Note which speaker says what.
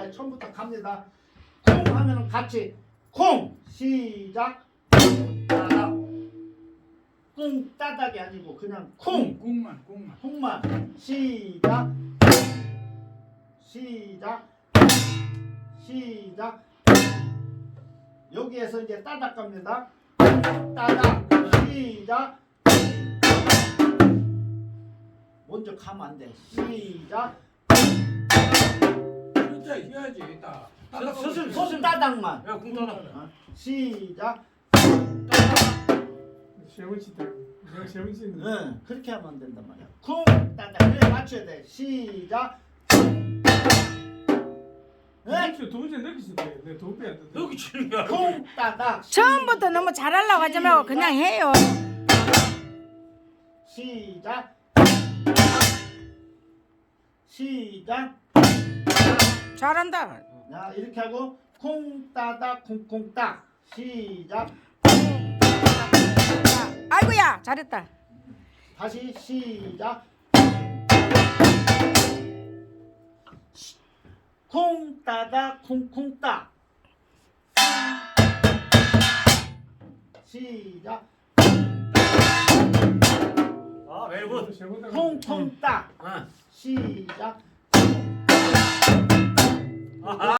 Speaker 1: 자, 처음부터 갑니다. 콩 하면은 같이 콩 시작. 따닥. 꿍 따닥이 아니고 그냥 콩. 콩만 시작. 시작. 여기에서 이제 따닥 갑니다. 따닥 시작. 먼저 가면 안 돼. 시작.
Speaker 2: 진짜 해야지 딱.
Speaker 1: 소술 따닥만.
Speaker 2: 야, 궁따닥.
Speaker 1: 시작.
Speaker 3: 세훈씨다. 내가 세훈씨는.
Speaker 1: 응, 그렇게 하면 안 된단 말이야. 쿵 따닥. 그래 맞춰야 돼. 시작. 네?
Speaker 3: 두 번째 넣기시 돼. 내 두 배 안 돼.
Speaker 2: 여기 치는 거야.
Speaker 1: 쿵 따닥.
Speaker 4: 처음부터 너무 잘하려고 하지 말고 그냥 해요.
Speaker 1: 시작.
Speaker 4: 잘한다.
Speaker 1: 자, 이렇게 하고 콩 따닥 콩콩 딱. 시작.
Speaker 4: 아이고야 잘했다.
Speaker 1: 다시 시작. 콩 따닥 콩콩 딱. 시작.
Speaker 2: 아, 멜군.
Speaker 1: 콩콩 딱.
Speaker 2: 아.
Speaker 1: 시작.
Speaker 2: 아하.